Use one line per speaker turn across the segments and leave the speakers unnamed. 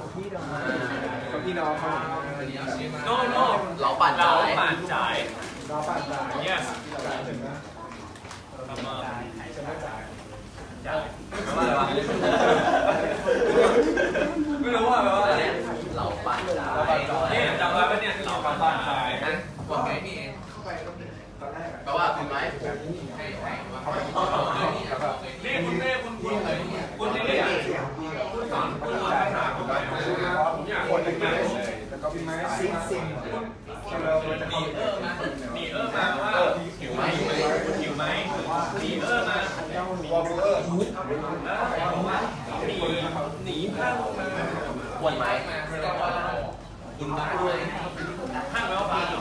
พี่น้องเขา
โน่เราปั่นจ่าย yes ทำมาจ่ายไม่รู้ว่าแบบว่าเราปั่นจ่ายนี่จำได้ไหมเนี่ยเราปั่นจ่ายนะกดไงนี่เองแปลว่าคุณไหมให้นี่คุณเน่คุณนี่คุณสอนคุณสอนภาษาผมผมอยากคนหนึ่งแล้วก็พี่ไม้ซิงมีมาว่าหิวไหมมีมาวอลเลอร์หนีข้างวนไหมคุณบ้าไหมข้างแล้วบ้า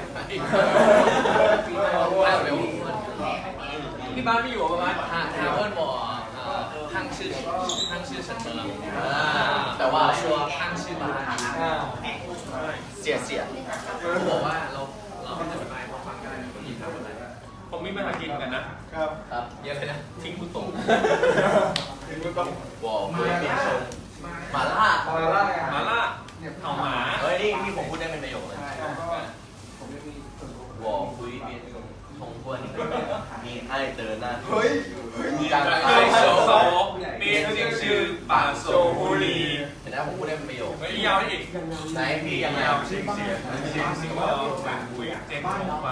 ที่บ้านไม่อยู่ประมาณฮาเวิร์ดบอกข้างชื่อฉันเมืองแต่ว่าชัวร์ข้างชื่อบ้านเสียบอกว่าเราจะไปพอฟังกันก็ยินทำอะไรผมมีภาษาจีนกันนะครับเยอะเลยนะทิ้งคุณตรงวอลคุยเป็นชงมาล่าเอาหมาเฮ้ยนี่ผมพูดได้เป็นประโยคเลยวอลคุยเป็นชงคนมีไอเตอร์นะเฮ้ยการไอโซมีชื่อปาโซฮูลีเห็นไหมผมพูดได้เป็นประโยคไม่ยาวอีกไหนพี่ยังยาวเสียงว่าแบบคุยเต็มฟัง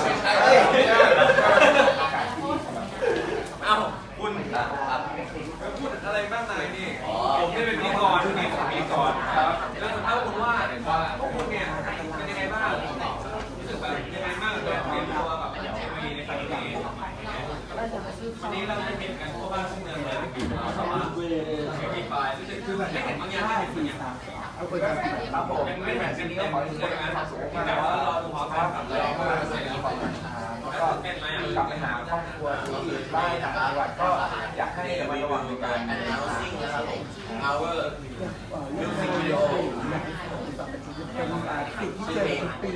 เอ้าคุณพูดอะไรบ้างนายนี่ผมได้เป็นพิธีกรนี่ผมพิธีกรครับแล้วถ้าคุณว่าพวกคุณเนี่ยเป็นยังไงบ้างรู้สึกแบบยังไงบ้างเรียนตัวแบบมีในครั้งนี้วันนี้เราจะเห็นกันทั่วบ้านทั่วเมืองเลยแต่ว่ามีไฟรู้สึกคือแบบไม่เห็นบางอย่างไม่เห็นบางอย่างครับผมยังไม่แบบนี้ก็ขอใช่ไหมแต่ว่าเราดูพร้อมกันกับเราก็ใส่แล้วก็กลับไปหาครอบครัวที่บ้านต่างจังหวัดก็อยากให้ระมัดระวังในการ announcing นะครับผม our music video
เป็นสิ่งที่เจอทุกปี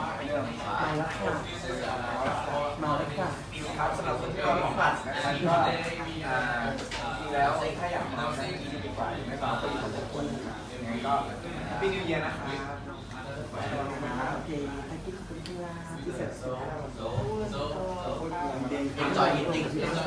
มาแล้วค่ะ
ครับสำหรับคนที่ของผัดนะครับก็จริงแล้วถ้าอยากมาใช้ดีกว่าไม่ฝากปีของทุกคนยังไงก็ปีนิวเยียร์นะครับ
โอเคถ้าคิดคุณที่ว่าที่เสร็จ
enjoy eating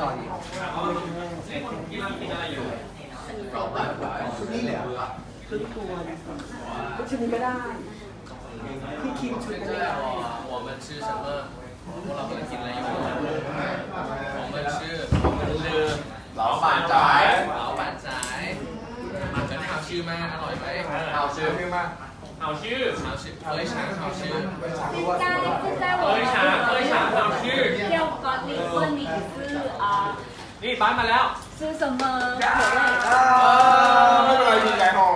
กินอะไรอยู่
กรอบแบบ
ชุดนี้เลย
ชุดตัวก็ชุดนี้ก็ได้พี่คิมชุดนี้
我们吃什么พวกเรากำลังกินอะไรอยู่我们吃老板仔มาจะได้เอาชื่อมาอร่อยไหมเอาชื่อ
มาก
เอาชื่อเฮ้ยช้างเอาชื่อ
现在
เฮ้ยช้างเอาชื่อ
要管理问你是
นี่บ้านมาแล้ว
是什么口味？
ไม่เป็นไรมีไก่ห่อ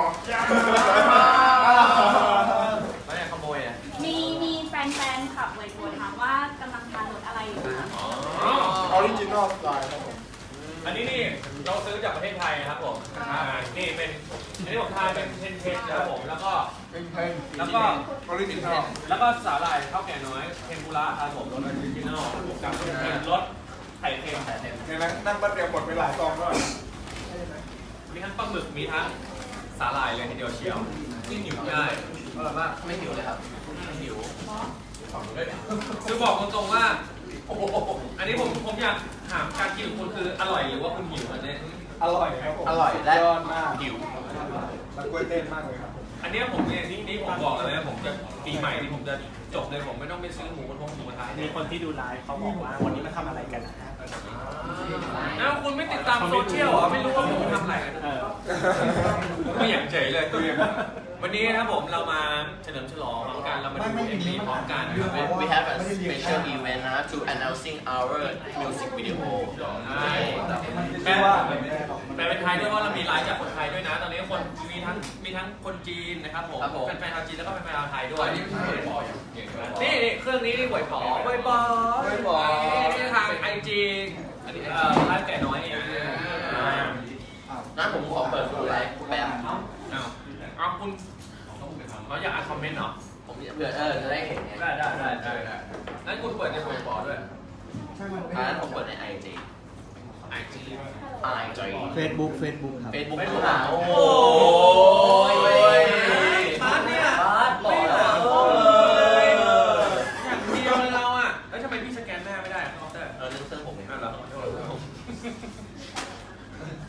ไม่ได้ขโมยอ่ะ
มีแฟนขับเลยถามว่ากำลังทานรสอะไรอยู่นะ
ออริจินอลสไตล์ครับผม
อันนี้นี่เราซื้อจากประเทศไทยนะครับผมนี่เป็นอันนี้ผมทานเป็นเทนนะครับผมแล้วก็อ
อริจินอล
แล้วก็สาหร่ายข้าวแก่น้อยเทมปุระครับผมรสออริจินอลกับรสไข่เค็ม
เนี่ยนะนั่งแป๊บเดียวหมดไปหลายซองแล้ว
มีทั้งปลาหมึกมีทั้งสาหร่ายเลยทีเดียวเชียวยิ่งหิวง่ายอร่อยมากไม่หิวเลยครับไม่หิวคือบอกตรงๆว่าอันนี้ผมอยากถามการกินของคุณคืออร่อยหรือว่าคุณหิวอันนี้
อร่อยครับผม
อร่อยและ
ยอดมาก
หิว
มันกล้วยเต้นมากเลยครับ
อันนี้ผมเนี่ยนี่ผมบอกเลยนะผมจะปีใหม่ที่ผมจะจบเลยผมไม่ต้องไปซื้อหมูกระทะ
มีคนที่ดูไลฟ์เขาบอกว่าวันนี้มาทำอะไรกันนะ
คุณไม่ติดตามโซเชียลเหรอไม่รู้ว่าผมทำอะไรกันไม่อยากเฉยเลยตัวเองวันนี้นะครับผมเรามาเฉลิมฉลองพร้อมกันเรามาดู MV พร้อมกัน We have a special event to announcing our music video แปลเป็นไทยด้วยว่าเรามีไลฟ์จากคนไทยด้วยนะตอนนี้คนมีทั้งคนจีนนะครับผมเป็นแฟนชาวจีนแล้วก็เป็นแฟนชาวไทยด้วยนี่เครื่องนี้นี่หวยป๋อนี่ทาง IG ไลฟ์แก่น้อยนี่งั้นผมขอเปิดดูไลฟ์แป๊บเอาคุณเราอยากอ่านคอมเมนต์เหรอผมเผื่อจะได้เห็นไงได้งั้นคุณเปิดในหวยป๋อด้วยงั้นผมเปิดใน IG
Facebook ครับ
Facebook ดูหาโอ้ย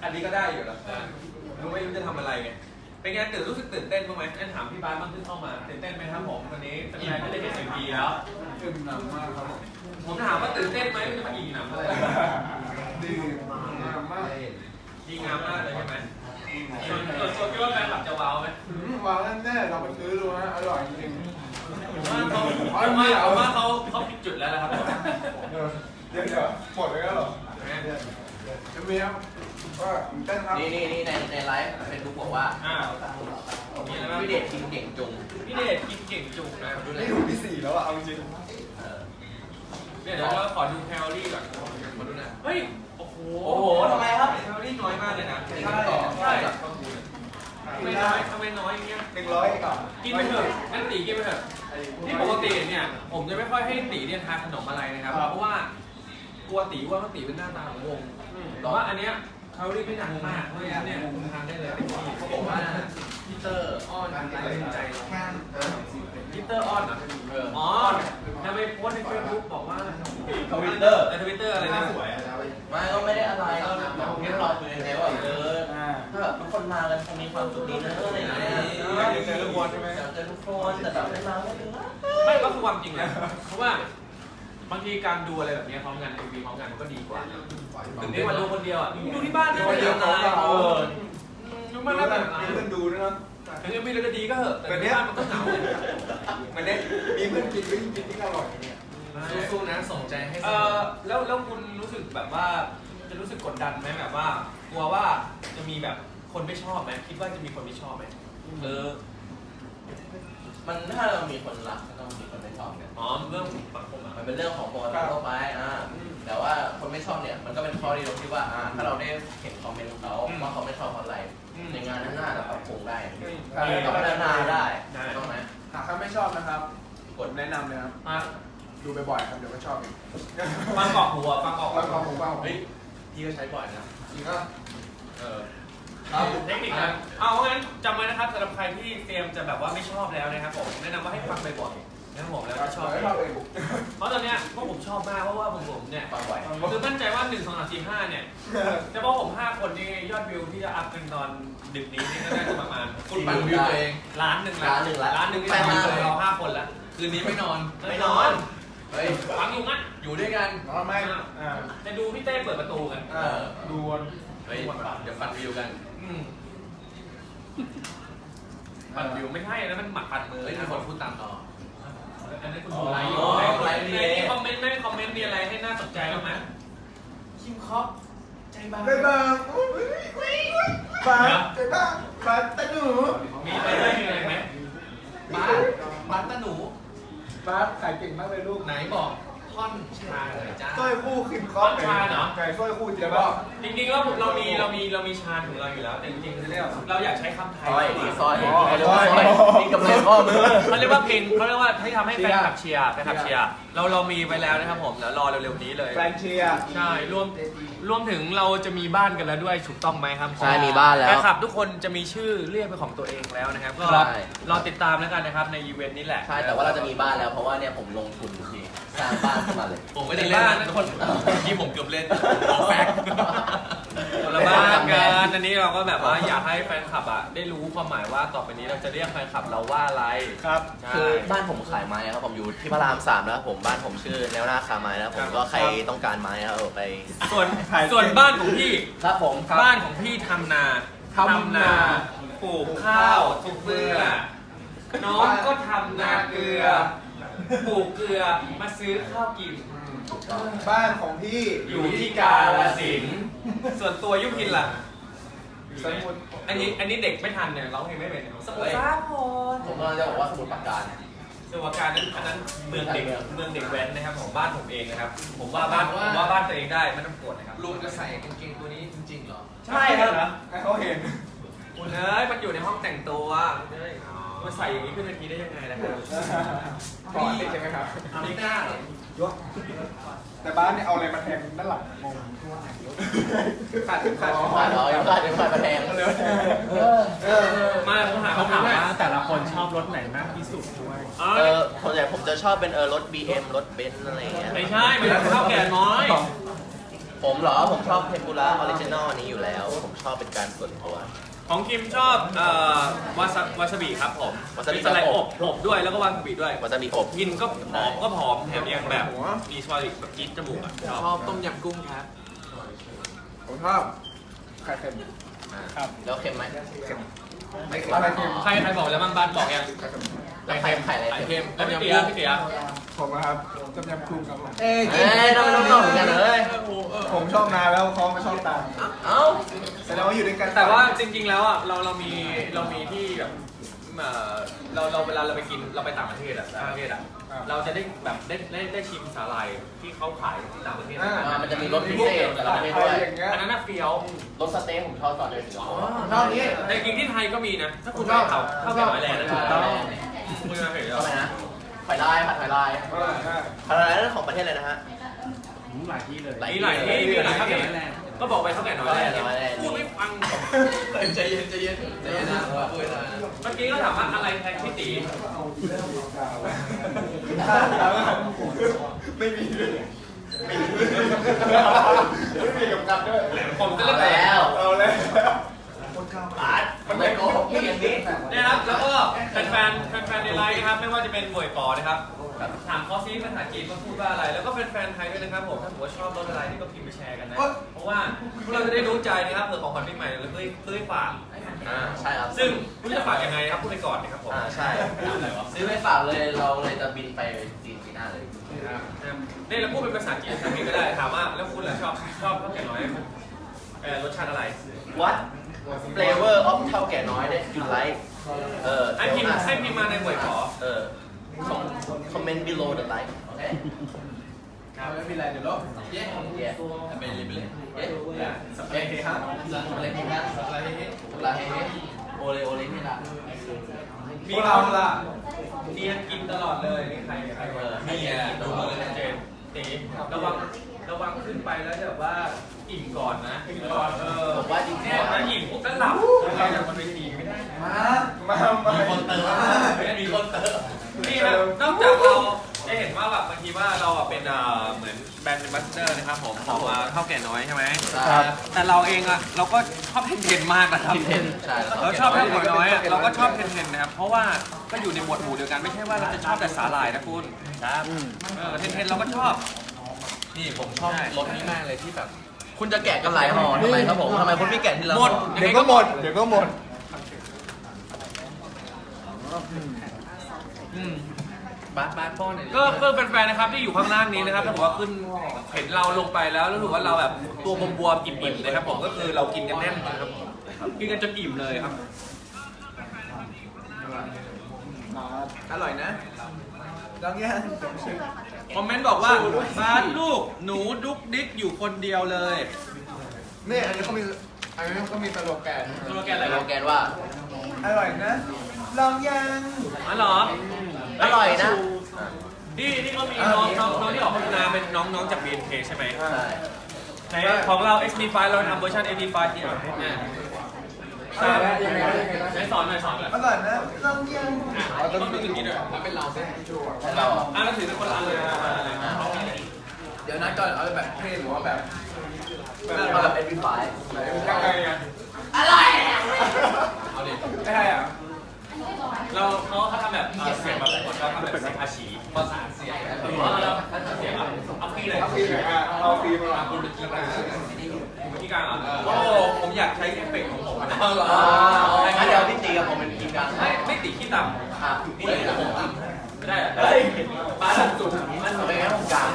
อันนี้ก็ได้อยู่แล้วรู้ไม่รู้จะทำอะไรไงเป็นไงรู้สึกตื่นเต้นบ้างไหมงั้นถามพี่บาสบ้างที่เข้ามาตื่นเต้นไหมครับผมวันนี้เป็นไงไม่ได้เห็นMVPแล้ว
อิ่มหนำมากครับ
ผมถามว่าตื่นเต้นไหมจะมาอีกหนังอะไร
ดีงามมาก
ดีงามมากเลยใช่ไหมส่วนคิดว่าแฟนคลับจะว้าวไหม
วางแน่ๆเราไปซื้อดูนะอร่อยจริง
ผมว่าเขาผิดจุดแล้วนะครับ
เดี๋ยวหมดเลยเหรอจะมีครับก็ตื่นเต้นครับ
นี่ในไลฟ์เฟซบุ๊กบอกว่า
มีอะไรบ้าง
พี่เดชกินเก่งจุง
พี่เดชกินเก่งจุงนะดูเลย
นี่ถูกที่4แล้วอ่ะเอาจริง
เดี๋ยวเราขอดูแคลอรี่ก่อนมาดูนะเฮ้ยโอ้โห
โอ้โหทำไมครับ
แคลอรี่น้อยมากเลยนะ
ใช่
ใช่ทำไมน้อยอย่างเงี้ย
100ก่อน
กินไปเถอะงั้นตีกินไปเถอะที่ปกติเนี่ยผมจะไม่ค่อยให้ตีเนี่ยทานขนมอะไรนะครับเพราะว่ากลัวตีว่าตีเป็นหน้าตาของวงแต่ว่าอันเนี้ยแคลอรี่ไม่หนักมากเพราะฉะนั้นเนี่ยทานได้เลยเขาบอกว่าพีเตอร์อ้อนตัดสินใจพีเตอร์อ้อนเหรออ๋อทำไมโพสในเฟซบุ๊กบอกว่าทวิตเตอร์อะไรนะสวย
ไม่ก็ไม่ได้อะไรก็แค่เราคุยในว่าถ้าแบบทุกคนมากันคงมีความสุขดีนะอะไรอย่างเงี้ย
อยากเจอทุกคนใช่ไหม
อยากเจอทุกคนแต่แบบไม่มาไม่เป็นไร
ไม่ก็คือความจริงแหละเพราะว่าบางทีการดูอะไรแบบนี้พร้อมกัน MV พร้อมกันมันก็ดีกว่าถึงได้มาดูคนเดียวอ่ะดูที่บ้านได้ไม่เป็นไรดูบ้านได้เป็นไร
มีเพื่อนดูด้วยนะ
ถึง MV เราจะดีก็เหอะแต่ที่บ้านมันก็เหงาเลย
มันเนี่ยมีเพื่อนกินวิ่งกินที่อร่อยเนี่ย
สู้ๆนะส่งใจให้แล้วคุณรู้สึกแบบว่าจะรู้สึกกดดันไหมแบบว่ากลัวว่าจะมีแบบคนไม่ชอบไหมคิดว่าจะมีคนไม่ชอบไหม
มันถ้าเรามีคนรักก็ต้องมีคนไม่ชอบเนี่ย
อ๋อเรื่องสังคมอ่ะ
มันเป็นเรื่องของปกติทั่วไปแต่ว่าคนไม่ชอบเนี่ยมันก็เป็นข้อดีตรงที่ว่าถ้าเราได้เห็นคอมเมนต์ของเขาว่าเขาไม่ชอบอะไรในงานนั้นน่าจะปรับปรุงได้เราพัฒนาได้ต้องไหม
หากใครไม่ชอบนะครับกดแนะนำเลยครับดูบ่อยๆครับเดี๋ยวก็ชอบเอง
ฟังกรอกหูอ่ะฟังกรอก
ฟังของผมบ้าง
เฮ้ยพี่ก็ใช้บ่อยนะ
จริงก็
เทคนิคนะเอางั้นจำไว้นะครับสำหรับใครที่เตรียมจะแบบว่าไม่ชอบแล้วนะครับผมแนะนำว่าให้ฟังบ่อยๆนะครับผมแล้วก็ชอบ
ชอบเอง
เพราะตอนเนี้ยพวกผมชอบมากเพราะว่าผมเนี่ย
ฟังบ่อย
คือมั่นใจว่า1 2 3 4 5เนี่ยเฉพาะผม5คนนี่ยอดวิวที่จะอัพกันตอนดึกนี้นี่ก็น่าจะประมาณ
คุณปั่นวิวตัวเอง
ล้านหนึ่งที่เรา5คนแล้วคืนนี้ไม่นอนเฮ้ยฟังอยู่งั้น
อยู่ด้วยกัน
นอนไหม
จะดูพี่เต้เปิดประตูกัน
ดูวน
เฮ้ยเดี๋ยวฟันวิวกัน
ปัดวิวไม่ใช่นะมันหมัดปัดมือ
เฮ้ยมีคนพูดตามต่อ
อันนี้คุณดูไลฟ์อยู่ในคอมเมนต์มีอะไรให้น่าสนใจบ้างไหมคิมคอปใจบาง
ได้บ้างฟ้าได้บ้างฟ้าตะหนู
มีอะไรไหม
บ้านตาหนู
ฟ้าขายเก่งมากเลยลูก
ไหนบอกท่อนชาเลยจ้า
สร้อยคู่คิมคอปไก่สร้อยคู่เจ๊บ้า
จริงๆแล้วเรามีชาของเราอยู่แล้วแต่จริงๆเราอยากใช้คำไทย
ซอยนี่กำลังข้อมือ
เขาเรียกว่าเพลงเขาเรียกว่าให้ทำให้แฟนคลับเชียร์เรามีไว้แล้วนะครับผมแล้วรอเร็วๆนี้เลย
แฟนเชียร์
ใช่รวมถึงเราจะมีบ้านกันแล้วด้วยถูกต้องไหมครับ
ใช่มีบ้านแล้ว
แฟนคลับทุกคนจะมีชื่อเรียกเป็นของตัวเองแล้วนะครับก็รอติดตามแล้วกันนะครับในอีเวนต์นี้แหละ
ใช่แต่ว่าเราจะมีบ้านแล้วเพราะว่าเนี่ยผมลงทุนทีสร้างบ้านขึ้นมาเลย
ผมไม่ได้เล่นนะทุกคนที่ผมเกือบเล่นแฟกคนละบ้านกันอันนี้เราก็แบบว่าอยากให้แฟนคลับอ่ะได้รู้ความหมายว่าต่อไปนี้เราจะเรียกแฟนคลับเราว่าอะไร
ครับ
คือบ้านผมขายไม้ครับผมอยู่ที่พระราม3นะครับผมบ้านผมชื่อแนวหน้าคาไม้นะครับผมก็ใครต้องการไม้นะครับไป
ส่วนบ้านของพี่
ครับผม
บ้านของพี่ทำนาปลูกข้าวทุกเมื่อน้องก็ทำนาเกลือปลูกเกลือมาซื้อข้าวกิน
บ้านของพี่
อยู่ที่กาฬสินธุ์ส่วนตัวยุพินล่ะ
สมุทร
อันนี้เด็กไม่ทันเนี่ยร้องเพลงไม่เป็นสมุทรสาคร
ผมกำลังจะบอกว่าสมุดปราการ
สมุทรปราการนั้นอันนั้นเมืองเด็กแว้นนะครับของบ้านผมเองนะครับผมว่าบ้านตัวเองได้ไม่ต้องปวดนะครับ
ลุงจะใส่กางเกงตัวนี้จริงๆเหรอ
ใช่ครับ
ให้เขาเห็น
คุณเอ้ยมันอยู่ในห้องแต่งตัวมาใส่อย่างนี้ขึ้นเวทีได้ยังไงนะครับ
ก่อนใช่ไหมครับ
ไม่กล้าเหรอ
แต่บ้านเนี่ยเอาอะไรมาแทงด้านหลังงงขาด
ขาดเหรอยังขาดมาแทง
มาผมหา
เขา
คำ
ถา
ถาม ม
ว่า
ว่า
แต่ละคนชอบรถไหนมากที่สุดด้วย
ส่วนใหญ่ผมจะชอบเป็นรถ BM รถเบนซ์อะไรอย่างเงี้ย
ไม่ใช่มันข้าวแก่น้อย
ผมเหรอ ผมชอบเทมปุระออริจินอลนี้อยู่แล้ว ผมชอบเป็นการส่วนตัว
ของคิมชอบวาซาบิครับผม
วาซาบิ
มีสไลด์อบด้วยแล้วก็วาซาบิด้วย
วาซาบิอบ
กินก็ผอมแถมยังแบบมีสวาบิแบบจี๊ดจมูกอ่ะชอบต้มยำกุ้งครับ
ผมชอบไข่เค็ม
แล้วเค็มไหม
ไม่เค็มอะไรเค็ม
ใครบอกแล้วบ้านบอกยัง
แล้วไข่อะไร
ไข่
เค็ม
เค็มแล้วพี่เตี๋ย
ผมนะครับต้มยำกุ้งครับผม
เอ้ยน้องๆเหมือนกันเลย
ผมชอบนานแล้วเขาไม่ชอบตาม
เอ้า
แสดงว่าอยู่ด้วยกัน
แต่ว่าจริงๆแล้วอ่ะเรามีที่แบบเราเวลาเราไปกินเราไปต่างประเทศอ่ะเราจะได้แบบได้ชิมสาหร่ายที่เขาขายที่ต่างประเทศ
มันจะมีรสพิเศษแต่ละประเทศด้วย
อย่างเงี้ย
อันนั้นน่ะเฟี้ยว
รสสเต๊กผมชอบตอนเดินถึง
ชอบนี้
แต่จริงที่ไทยก็มีนะถ้าคุณชอบข้าวแกงไม้แรงนะถูกต้องคุณมาเห็น
ชอบไหมนะไข่ลายผัดไข่ลายไข่ลายนั่นของประเทศอะไรนะฮะ
หลายที่เลย
มีหลายที่มีหลายข้าวแกงก็บอกไปข้าวแกงน้อยแรงพูดไม่ฟัง
ใจเย็นนะพูดเลย
เมื่อกี้ก็ถามว่าอะไรแทนพี่ตี
ไม่มีกำกับด้วย
ผมจะ
เอา
เล่น
แล้ว
เอาเลย
มันไม่โกหกพี่อย่างนี้
เนี่ยครับแล้วก็แฟนในไลน์นะครับไม่ว่าจะเป็นบ่วยปอนะครับถามเขาซิภาษาจีนว่าพูดว่าอะไรแล้วก็แฟนไทยด้วยนะครับผมถ้าผมว่าชอบรถอะไรนี่ก็พิมพ์ไปแชร์กันนะเพราะว่าพวกเราจะได้รู้ใจนะครับเผื่อของขวัญปีใหม่เราเพื่อฝาก
ใช่ครับ
ซึ่งคุณจะฝากยังไงครับพูดไปก่อนนะครับผม
ใช่ซื้อไปฝากเลยเราเลยจะบินไปจีนปีหน้าเลย
นี่เราพูดเป็นภาษาจีนทั้งนี้ก็ได้ถามว่าแล้วคุณล่ะชอบข้าวแกงน้อยรสชาติอะไร
What flavor of เท่าแก่น้อย that you like
ให้พิมพ์มาในบ่วยปอ
comment below the like โอเค
ไม่มีอะไรเดี๋ยวลบ
yeah ไปเลยสเปรย์ครับสเปรย์ครับสเปรย์โอเลนี่ละ
มีเราล่ะเทียนกินตลอดเลยนี่ใครนี่ดูเลยเจนตีระวังขึ้นไปแล้วแบบว่าอิ่มก่อนนะ
ผมว่าจริง
เนี่ยนะอิ่มปุ๊บแล้วหลับอะไรอย่างมันไปตีไม่ได้
มีคนเติมมีคนเติม
นี่ครับนอกจากเราจะเห็นว่าแบบบางทีว่าเราเป็นเหมือนแบรนด์แอมบาสเดอร์นะครับผมของเท่าแก่น้อยใช่ไหมแต่เราเองอ่ะเราก็ชอบเทนมากนะครับ
ใช่
เราชอบเท่าแก่น้อยเราก็ชอบเทนนะครับเพราะว่าก็อยู่ในหมวดหมู่เดียวกันไม่ใช่ว่าเราจะชอบแต่สาหร่ายนะคุณครับเทนเราก็ชอบ
นี่ผมชอบรสนี้มากเลยที่แบบคุณจะแกะกันหลายห่อทำไมครับผมทำไมคุณไม่แกะทีละห่อ
หมด
เดี๋ยวก็หมด
บ้านป้อนหน่อย
ก็แฟนๆนะครับที่อยู่ข้างล่างนี้นะครับถ้าบอกว่าขึ้นเห็นเราลงไปแล้วรู้สึกว่าเราแบบตัวบวมๆอิ่มๆนะครับผมก็คือเรากินกันแน่นนะครับกินกันจนอิ่มเลยครับ
อร่อยนะลองยัง
คอมเมนต์บอกว่าบ้านลูกหนูดุกดิกอยู่คนเดียวเลย
นี่อันนี้เขามีสโลแกน
โลแกนอะไร
โล
ครับ
แกนว่า
อร่อยนะลองยัง
อ๋อเหรอ
อร่อยนะ
นี่ก็มีน้องที่ออกโฆษณาเป็นน้องจาก BNK ใช่ไหม
ใช่
ในของเรา XP5 เราทำเวอร์ชัน XP5 ที่เนี่ย
อร่อยนะยังไง
ใช้สอนหน่อย
อร่อยนะลองยัง
ต้องดูอย่างนี้ด้วยแล้วเป็นเราใช่ไหม
เรา
ก็ถือเป็นคนละอันเลย
เดี๋ยวนะก่อนเอาแบบเท่หรือว่าแบบ
มาแบบเป็นไฟ
ยังไงอ่ะ
อะไร
เอาดิ
ไม่ใช่อ่ะ
เขาทำแบบเสียงแบบคนเขาทำแบบเสียงอาชีภาษาเสียงแล้วเสียงเอาฟรีเลย
เอาฟรีเลยอ่ะเอาฟรีมา
คุณเป็นกีการกีการเหรอโอ้ผมอยากใช้เอฟเฟกต์ของผมนะ
งั้นเดี๋ยวพี่ตีกับผมเป็นทีมกัน
ไม่ติดขี้ต่ำ
พี่ตีกับผม
ไม่ได้เฮ้ยปลาสุด
มันเป็นงั้นผมกลาง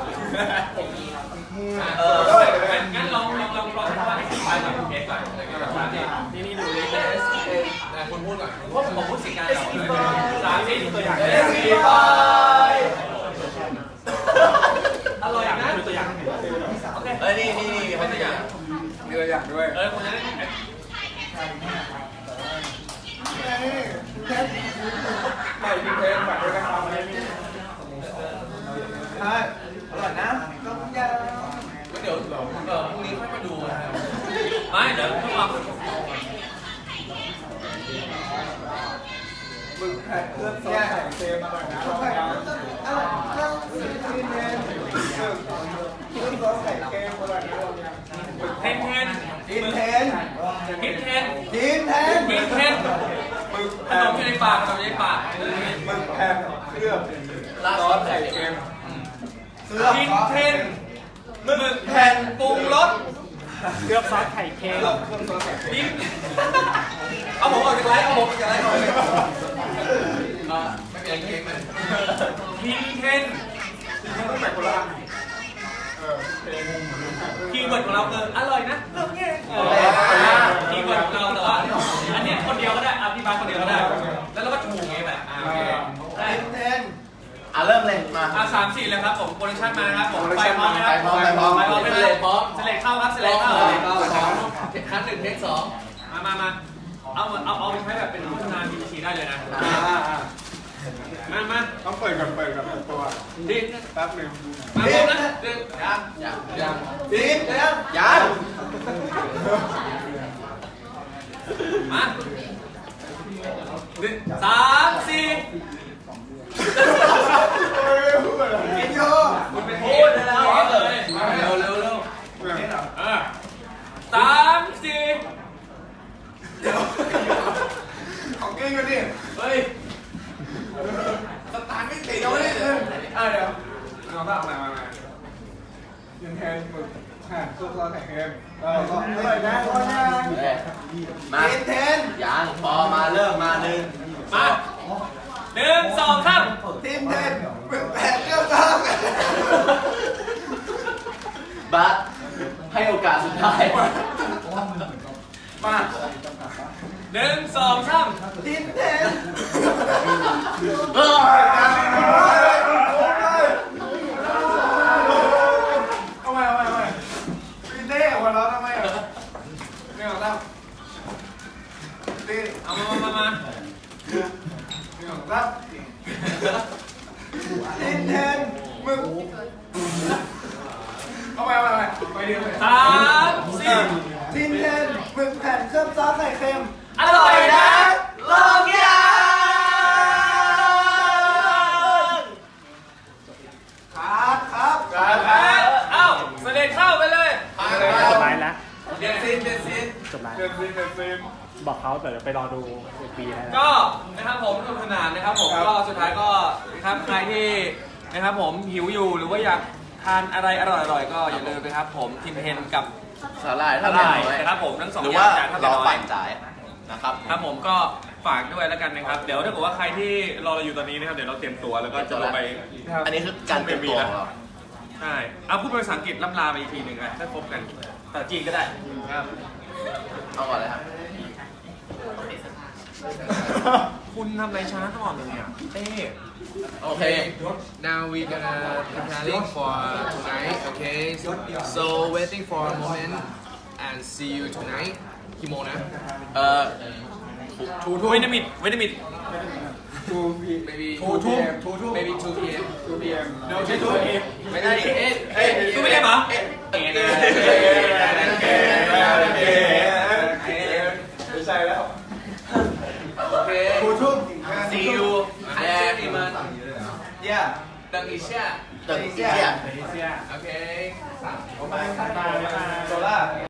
งั้นลองว่าไปหน่อยเทสก่อนนี่ดูเลยคุณพูดก่อนว่าผมพูดสิ่งการ3 ตัวอย่างอร่อยนะดูตัวอย่างโอเค
นี่เป็นตัวอย่าง
มีตัวอย่างด้วย
คุณจะได้
ใหม่พิเศษแบบด้วยนะครับใช่อร่อยนะลองยัง
เดี๋ยวพรุ่งนี้ค่อยมาดูไม่เดี๋ยวพวกเรา
บึกแผ่นเครื่องซอสไข่เค็มอร่อยนะลองยังอร่อยเครื่องซอสไข่
เทนเทน
กินเทน
พิทเทน
กินเทน
พิทเทนขนมอยู่ในปากขนมอยู่ในปาก
มึกแผ่นเคลือบ
ซอสไข่เค็ม
พิทเทนหมึกแผ่นปรุงรส
เคลือบซอสไข่เค็ม
พิทเอาผมออกจากไลฟ์เอาผมออกจากไลฟ์ก่อนเลย
ไม่เป็นเค้กเลย
พิทเทนคีย์เวิร์ดของเราคืออร่อยนะเรื่องนี้คีย์เวิร์ดของเราแต่ว่าอันนี้คนเดียวก็ได้พี่บาสคนเดียวก็ได้แล้วเราก็ถูกไงแบบโอเคได้
กินเทน
เริ่มเลยมา
3-4เลยครับผมโปรดักชั่นมานะครับผมไฟพร้อมนะครับ
ไฟพร้อมไฟพร้อม
ไฟพร้อม
เส
เล
ร็
ย
จพร้อม
เสร็จเข้าครับเสร็จเข้า
ครั้งหนึ่งเทคสอง
มาเอาไปใช้แบบเป็นโฆษณา BBC ได้เลยนะมา
ต้องเปิดก่อนตัว
ดิ
แป๊บหนึง
มาพร้อมนะหนึ่ง
ยัง
กินเทน
ยัง
มา1 3 4
กินโย
คุณเป็นพูดแล้วเลย
เร็ว
3 4
ของกินกันดิ
เฮ้ย
สตาร์ทไม่ติดเอาไว้เลยเดี๋ยว
เอาบ้างมากินแทนหมึกแผ่นซุปซอสไข่เค็มแล้วก็
อร่อยนะพ่อนะ
มา
กินเทน
ยังพอมาเริ่มมาหนึ่ง
มา1 2 3
กินเทนมึกแผ่นเคลือบซอส
บัสให้โอกาสสุดท้าย
มา
1 2 3
กินเทน
เออ
เอาไปกินเท่หัวเราะทำไมอ่ะไม่เอาแล้วตี
เอามา
ไม่เอาแล้วกินเทนมึกเอาไปไปเดียว
3 4
กินเทนมึกแผ่นเคลือบซอสไข่เค็ม
อร่อยนะ
ลองยัง
ครับ
เอ้าเสด็จเข้าไปเลย
จบไลน์แล้ว
เดี๋ยวซิน
จบไลน์
เดินซีน
บอกเขาเดี๋ยวไปรอดูปีให้แล้ว
ก็นะครับผมสนุกสนานนะครับผมก็สุดท้ายก็นะครับใครที่นะครับผมหิวอยู่หรือว่าอยากทานอะไรอร่อยๆก็อย่าลืมนะครับผมทิมเฮนกับ
สาหร่าย
อ
ถ้า
ร่
ไม่
อย
น้อย
นะครับผมทั้งสอง
หรือ
อย่า
ว่าง
จานเท่า
เรา
น้อ
ปั่
ย
นจ่ายนะครับ
ครับผมก็ฝากด้วยแล้วกันนะครับ เดี๋ยวถ้าเกิดว่าใครที่รอเราอยู่ตอนนี้นะครับเดี๋ยวเราเตรียมตัวแล้วก็จะลงไป
อันนี้คือการเตรียมตัวของเรา
ใช่เอาพูดเป็นภาษาอังกฤษล่ำลาไปอีกทีหนึ่งนะถ้าครบกันภาษาจีนก็ได้ครับ
เอาก่อนเลยครับ
คุณทำอะไรช้าตลอดเลยเนี่ยเต้
โอเค
Now we gonna preparing for tonight, okay? So waiting for a moment and see you tonight. กี่โมงนะ
เวนิมิด
Maybe
2 PM
maybe 2 p.m.
2 PM
ไม่ได้ดิ
กูไม่ได้เหรอ
ไม่ใช่แล้ว
โอเค See you there
你们
yeah
等一下
ตึกเสีย
，OK？
บ๊ายบาย